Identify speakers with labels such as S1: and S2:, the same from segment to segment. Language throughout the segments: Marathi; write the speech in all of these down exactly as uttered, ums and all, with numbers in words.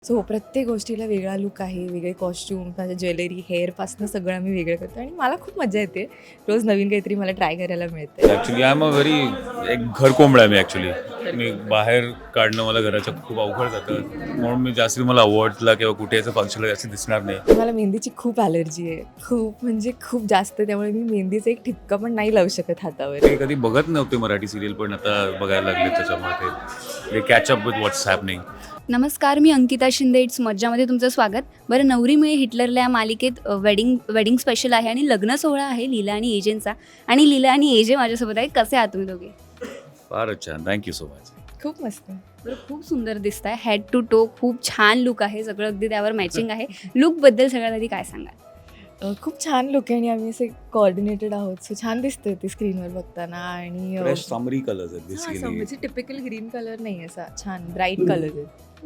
S1: सो हो, प्रत्येक गोष्टीला वेगळा लूक आहे, वेगळे कॉस्ट्यूम, माझ्या ज्वेलरी, हेअरपासून सगळं आम्ही वेगळं करतो आणि मला खूप मजा येते. रोज नवीन काहीतरी मला ट्राय करायला मिळतं.
S2: Actually I am a very एक घर कोंबडा आहे मी ॲक्च्युली. मी बाहेर काढणं मला घराच्या खूप अवघड जातं. म्हणून मी जास्ती मला अवॉर्ड्सला किंवा कुठे याचं फंक्शनला जास्त दिसणार नाही.
S1: मला मेहंदीची खूप ॲलर्जी आहे. खूप म्हणजे खूप जास्त. त्यामुळे मी मेहंदीचं एक ठिपका पण नाही लावू शकत हातावर.
S2: मी कधी बघत नव्हते मराठी सिरियल, पण आता बघायला लागले त्याच्यामुळे ते catch up with what's happening.
S3: नमस्कार, मी अंकिता शिंदे. इट्स मज्जामध्ये तुमचं स्वागत. बरं, नवरी मिळे हिटलरला या मालिकेत वेडिंग वेडिंग स्पेशल आहे आणि लग्न सोहळा आहे लीला आणि एजेंचा. आणि लीला आणि एजे माझ्यासोबत आहे. कसे आहात तुम्ही दोघे?
S2: फारच छान, थँक्यू सो मच.
S1: खूप मस्त.
S3: बरं, खूप सुंदर दिसत आहे. हेड टू टो खूप छान लुक आहे. सगळं अगदी त्यावर मॅचिंग आहे. लुकबद्दल सगळ्यात आधी काय सांगाल?
S1: अ, खूप छान लुक आहे आणि आम्ही असे कोऑर्डिनेटेड आहोत. सो छान दिसतंय ते स्क्रीनवर बघताना आणि अ,
S2: फ्रेश समरी कलर्स आहेत
S1: हां,
S2: बेसिकली.
S1: असं म्हणजे टिपिकल ग्रीन कलर नाही असा छान ब्राईट कलर आहे.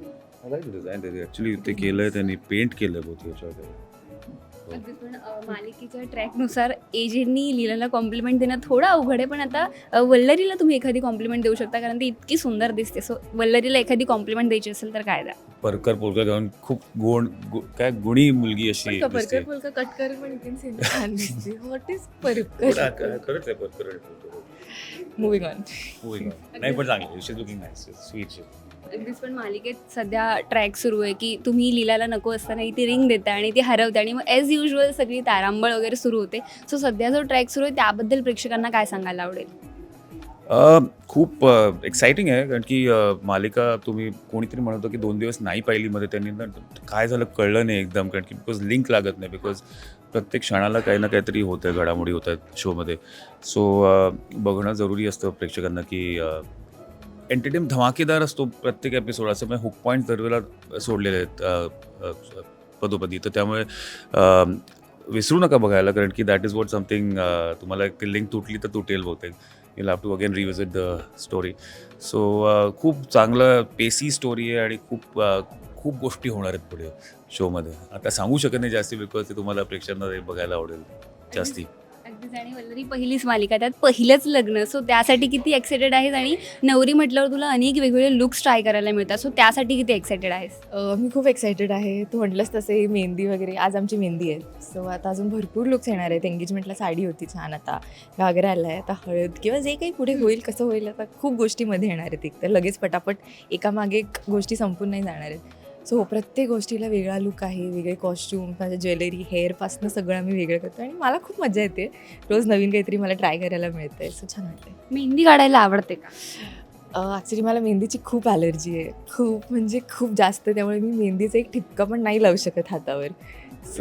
S2: ॲक्च्युली ते केलंय त्यांनी, पेंट केलंय बहुत याच्यावर.
S3: अगदीच. पण अ, मालिकेच्या ट्रॅकनुसार एजेंनी लीलाला कॉम्प्लिमेंट देणं थोडं अवघड आहे, पण आता अ, वल्लरीला तुम्ही एखादी कॉम्प्लिमेंट देऊ शकता, कारण ती इतकी सुंदर दिसते. सो वल्लरीला एखादी कॉम्प्लिमेंट द्यायची असेल तर काय द्या?
S2: परकर पोरकर घालून खूप गोड गु- काय गुणी मुलगी अशी
S1: पण
S2: दिसते.
S1: परकर पुलका कट कर पण इथे सीन छान दिसते. व्हॉट इज
S2: पण
S1: परकर?
S2: आ- खरंच आहे परकर आणि पोरकर.
S1: Moving on.
S2: होय का? नाही पण चांगली, she is looking nice, sweet.
S3: अगदीच. पण मालिकेत सध्या ट्रॅक सुरू आहे की तुम्ही लीलाला नको असताना ती रिंग देता आणि ती हरवते आणि मग ॲज युजल सगळी तारांबळ वगैरे सुरू होते. सो सध्या जो ट्रॅक सुरू आहे त्याबद्दल प्रेक्षकांना काय सांगायला आवडेल?
S2: अ, खूप एक्साइटिंग आहे, कारण की अ, मालिका तुम्ही कोणीतरी म्हणत होतं की दोन दिवस नाही पाहिली मध्ये, त्यांनी ना काय झालं कळलं नाही एकदम, कारण की बिकॉज लिंक लागत नाही, बिकॉज प्रत्येक क्षणाला काही ना काहीतरी होतं आहे, घडामोडी होत आहेत शोमध्ये. सो बघणं जरुरी असतं प्रेक्षकांना की एंटरटेन धमाकेदार असतो प्रत्येक एपिसोड, असं म्हणजे हुक पॉईंट दरवेळेला सोडलेले आहेत अ, अ, पदोपदी. तर त्यामुळे अ, विसरू नका बघायला, कारण की दॅट इज वॉट समथिंग. तुम्हाला एक लिंक तुटली तर तुटेल बहुतेक. you'll have to again revisit the story. So खूप चांगलं पेसी स्टोरी आहे आणि खूप uh, खूप गोष्टी होणार आहेत पुढे शोमध्ये. आता सांगू शकत नाही जास्ती, बिकॉज ते तुम्हाला प्रेक्षकांना ते बघायला आवडेल जास्ती.
S3: अगदीच. आणि वल्लरी पहिलीच मालिका, त्यात पहिलंच लग्न. सो त्यासाठी किती एक्सायटेड आहेस? आणि नवरी म्हटल्यावर तुला अनेक वेगवेगळे लुक्स ट्राय करायला मिळतात. सो त्यासाठी किती एक्सायटेड आहेस?
S1: अ, मी खूप एक्सायटेड आहे. तू म्हटलंस तसे मेहंदी वगैरे, आज आमची मेहंदी आहे. सो आता अजून भरपूर लुक्स येणार आहेत. एंगेजमेंटला साडी होती छान, आता घागरा आला आहे, आता हळद किंवा जे काही पुढे होईल कसं होईल, आता खूप गोष्टीमध्ये येणार आहेत. एक तर लगेच पटापट एकामागे एक गोष्टी संपून नाही जाणार आहेत. सो हो, प्रत्येक गोष्टीला वेगळा लूक आहे, वेगळे कॉस्ट्यूम, माझ्या ज्वेलरी, हेअरपासून सगळं आम्ही वेगळं करतो आणि मला खूप मजा येते. रोज नवीन काहीतरी मला ट्राय करायला मिळतंय. सो छान वाटतंय.
S3: मेहंदी काढायला आवडते का?
S1: ॲक्च्युली मला मेहंदीची खूप ॲलर्जी आहे. खूप म्हणजे खूप जास्त. त्यामुळे मी मेहंदीचा एक ठिपका पण नाही लावू शकत हातावर. सो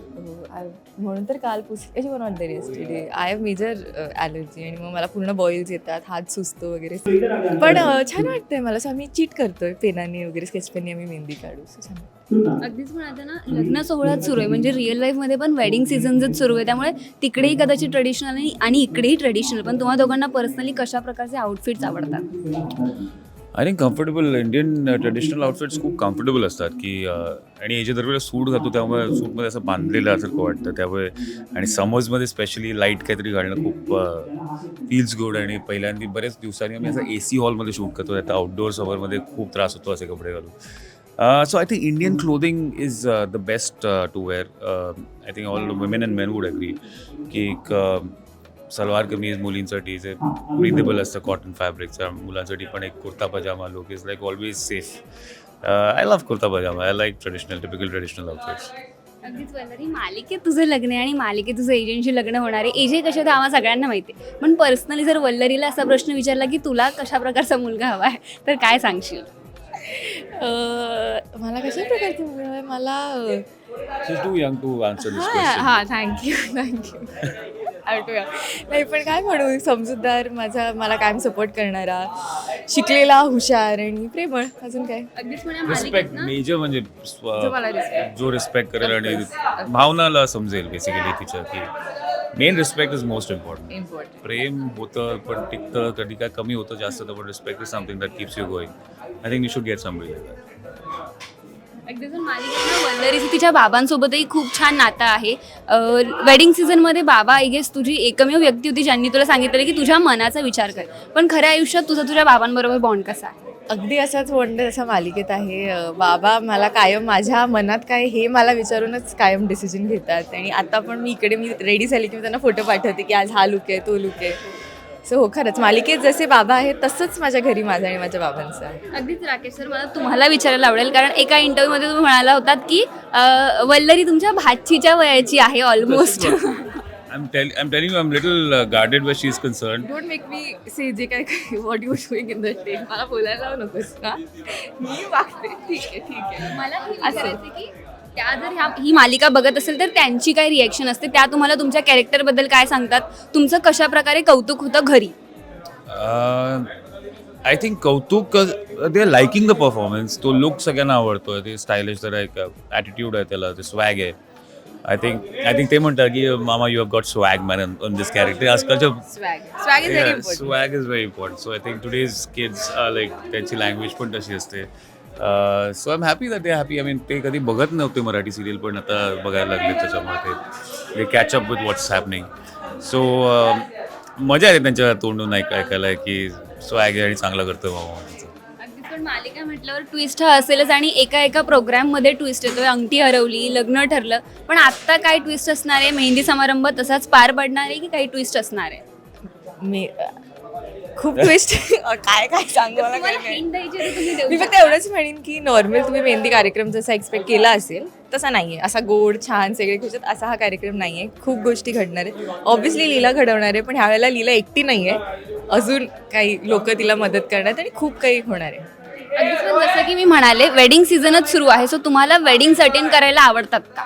S1: म्हणून तर काल पुसली one on the yesterday. I have major allergy आणि मग मला पूर्ण बॉईल्स येतात, हात सुचतो वगैरे. पण अ, छान वाटतंय मला. सो आम्ही चीट करतोय पेनाने वगैरे, स्केच पेनने आम्ही मेहंदी काढू. सो छान वाटतं.
S3: अगदीच. पण आता ना लग्न सोहळ्यात सुरू आहे, म्हणजे रिअल लाईफमध्ये पण वेडिंग सीझनच सुरू आहे, त्यामुळे तिकडेही कदाचित ट्रेडिशनल आणि आणि इकडेही ट्रेडिशनल. पण तुम्हा दोघांना पर्सनली कशा प्रकारचे आउटफिट्स आवडतात?
S2: I think comfortable Indian traditional outfits खूप कम्फर्टेबल असतात की अ, आणि याच्या दरवेळेला सूट घालतो त्यामुळे सूटमध्ये असं बांधलेलं असं वाटतं त्यामुळे. आणि समर्समध्ये स्पेशली लाईट काहीतरी घालणं खूप फील्स गुड. आणि पहिल्यांदा बरेच दिवसांनी आम्ही असं ए सी हॉलमध्ये शूट करतो, आता आउटडोअर समरमध्ये खूप त्रास होतो असे कपडे घालून. So I think Indian clothing is the best to wear. I think all women and men would agree की एक अ, सलवार कमीज मुलींसाठी जे ब्रीदेबल असतं कॉटन फॅब्रिकचा, मुलांसाठी पण एक kurta pajama look is like always safe. I love kurta pajama. I like traditional typical traditional outfits.
S3: अगदीच. वल्लरी, मालिकेत तुझं लग्न आहे आणि मालिकेत तुझं एजंटशी लग्न होणार आहे. एजे कशा तर आम्हाला सगळ्यांना माहिती आहे, पण पर्सनली जर वल्लरीला असा प्रश्न विचारला की तुला कशा प्रकारचा मुलगा हवा आहे, तर काय सांगशील?
S1: अ, मला कशा प्रकारचं मुलगा आहे? मला
S2: she is too young to answer this
S1: हां
S2: क्वेश्चन.
S1: हां थँक्यू थँक्यू. आठवूया. नाही पण काय म्हणू, समजूतदार, माझा मला कायम सपोर्ट करणारा, शिकलेला, हुशार आणि प्रेमळ. अजून काय?
S3: अगदीच. पण या
S2: रिस्पेक्ट
S3: मालिकेत ना
S2: मेजर म्हणजे
S1: जो मला respect.
S2: जो रिस्पेक्ट करेल आणि भावनाला समजेल बेसिकली तिच्या, की men respect is most important.
S1: Important.
S2: प्रेम होतं पण टिकतं, कधी काय कमी होतं जास्त होतं, पण respect is something that keeps you going. I think you should get somebody like that.
S3: अगदीच. पण मालिकेत ना वल्लरीचं तिच्या बाबांसोबतही खूप छान नातं आहे. वेडिंग सीझनमध्ये बाबा आय गेस तुझी एकमेव व्यक्ती होती ज्यांनी तुला सांगितलं की तुझ्या मनाचा विचार कर. पण खऱ्या आयुष्यात तुझा तुझ्या बाबांबरोबर बॉन्ड कसा आहे?
S1: अगदी असाच वंडर असा मालिकेत आहे. अ, बाबा मला कायम माझ्या मनात काय हे मला विचारूनच कायम डिसिजन घेतात आणि आता पण मी इकडे मी रेडी झाली की मी त्यांना फोटो पाठवते की आज हा लुक आहे तो लुक आहे. सो हो खरंच मालिकेत जसे बाबा आहेत तसंच माझ्या घरी माझं आणि माझ्या बाबांचं आहे.
S3: अगदीच राकेश सर, मला तुम्हाला विचारायला आवडेल, कारण एका इंटरव्ह्यूमध्ये तुम्ही म्हणाला होतात की अ, वल्लरी तुमच्या भाचीच्या वयाची आहे almost.
S2: I'm tell I'm telling you, I'm little uh, guarded where she's concerned.
S1: Don't make me say जे काय what you doing in the stage मला बोलायला लावू नकोस ना. मी वागते ठीक आहे ठीक आहे.
S3: मला हे
S1: असं.
S3: विचारायचं की त्या जर ह्या ही मालिका बघत असेल तर त्यांची काय रिॲक्शन असते, त्या तुम्हाला तुमच्या कॅरेक्टरबद्दल काय सांगतात, तुमचं कशा प्रकारे कौतुक होतं घरी?
S2: आय थिंक कौतुक they are liking the performance. तो लुक सगळ्यांना आवडतो. ते स्टायलिश जरा एक ॲटिट्यूड आहे त्याला, ते स्वॅग आहे. आय थिंक आय थिंक ते म्हणतात की मामा you have got swag man on this character. आजकालच्या
S1: swag swag is very important.
S2: Swag is very important. So I think today's kids like त्यांची लँग्वेज पण तशी असते. So I am happy that they happy. I mean ते कधी बघत नव्हते मराठी सिरियल, पण आता बघायला लागले त्याच्यामुळे ते they catch up with what's happening. So मजा येते त्यांच्या तोंडून ऐक ऐकायला की स्वॅग आहे आणि चांगला करतो मामा.
S3: अगदीच, पण मालिका म्हटल्यावर ट्विस्ट हा असेलच आणि एका एका प्रोग्राममध्ये ट्विस्ट येतोय. अंगठी हरवली, लग्न ठरलं, पण आत्ता काय ट्विस्ट असणार आहे? मेहंदी समारंभ तसाच पार पडणार आहे की काही ट्विस्ट असणार आहे?
S1: मी खूप ट्विस्ट काय काय सांगू मला
S3: तुम्हाला
S1: काही
S3: hint द्यायची आहे तर तुम्ही देऊ
S1: मी फक्त
S3: शकता.
S1: एवढंच म्हणेन की नॉर्मल तुम्ही मेहंदी कार्यक्रम जसा एक्सपेक्ट केला असेल तसा नाही आहे. असा गोड छान सगळे खुशात असा हा कार्यक्रम नाही आहे. खूप गोष्टी घडणार आहेत. ऑब्व्हियसली लीला घडवणार आहे, पण ह्यावेळेला लीला एकटी नाही आहे. अजून काही लोक तिला मदत करणार आहेत आणि खूप काही होणार आहे.
S3: अगदीच, पण जसं की मी म्हणाले वेडिंग सीझनच सुरू आहे, सो तुम्हाला वेडिंग अटेंड करायला आवडतात का?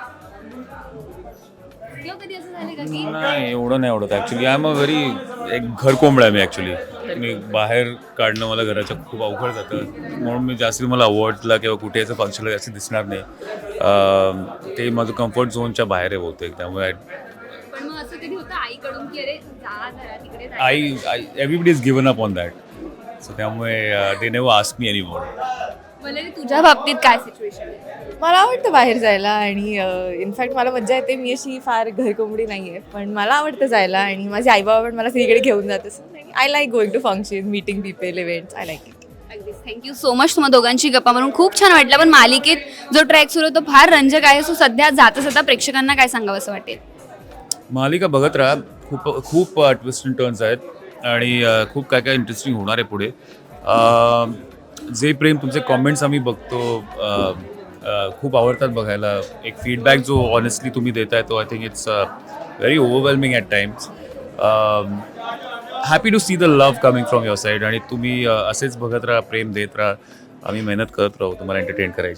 S3: किंवा कधी असं झालं का की
S2: नाही एवढं नाही आवडत actually. I am a very एक घर कोंबडा आहे मी ॲक्च्युली. मी बाहेर काढणं मला घराच्या खूप अवघड जातं, म्हणून मी जास्ती मला अवॉर्डला किंवा कुठे याचं फंक्शनला जास्त दिसणार नाही. अं, ते माझं कम्फर्ट झोनच्या बाहेर आहे बहुतेक. त्यामुळे
S3: पण मग असं कधी होतं आईकडून की अरे जा जरा तिकडे जा.
S2: आई आई everybody is given up on that. So त्यामुळे they never ask me any more.
S3: Vallari, तुझ्या बाबतीत काय सिच्युएशन आहे?
S1: मला आवडतं बाहेर जायला आणि इनफॅक्ट मला मज्जा येते. मी अशी फार घरकोंबडी नाही आहे, पण मला आवडतं जायला आणि माझे आईबाबा पण मला सगळीकडे घेऊन जात असतात. I like going to function, meeting people, events. I like it.
S3: अगदीच, थँक्यू सो मच. तुम्हा दोघांची गप्पा मारून खूप छान वाटलं. पण मालिकेत जो ट्रॅक सुरू होतो फार रंजक आहे, सो सध्या जाता जाता प्रेक्षकांना काय सांगावं असं वाटेल?
S2: मालिका बघत राहा. खूप खूप ट्विस्ट अँड टर्न्स आहेत आणि अ, खूप काय काय इंटरेस्टिंग होणार आहे पुढे. अ, जे प्रेम तुमचे कॉमेंट्स आम्ही बघतो अ, अ, खूप आवडतात बघायला. एक फीडबॅक जो ऑनेस्टली तुम्ही देताय तो I think it's very overwhelming at times. Happy to see the love coming from your side आणि तुम्ही अ, असेच बघत राहा, प्रेम देत राहा. आम्ही मेहनत करत राहू तुम्हाला एंटरटेन करायची.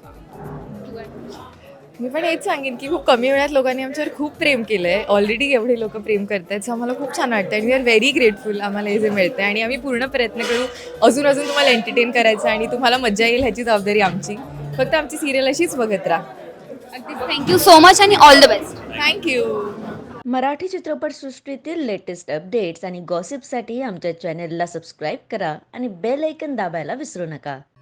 S1: मी पण हेच सांगेन की खूप कमी वेळात लोकांनी आमच्यावर खूप प्रेम केलं आहे. ऑलरेडी एवढे लोक प्रेम करत आहेत, सो आम्हाला खूप छान वाटतं आणि वी आर व्हेरी ग्रेटफुल आम्हाला हे जे मिळतं आहे आणि आम्ही पूर्ण प्रयत्न करू अजून अजून तुम्हाला एंटरटेन करायचं आणि तुम्हाला मजा येईल ह्याची जबाबदारी आमची. फक्त आमची सिरियल अशीच बघत राहा.
S3: अगदीच, थँक्यू सो मच आणि all the best.
S1: Thank you.
S4: Marathi चित्रपटसृष्टीतील लेटेस्ट अपडेट्स आणि गॉसिपसाठी आमच्या चॅनेलला सबस्क्राईब करा आणि बेल ऐकन दाबायला विसरू नका.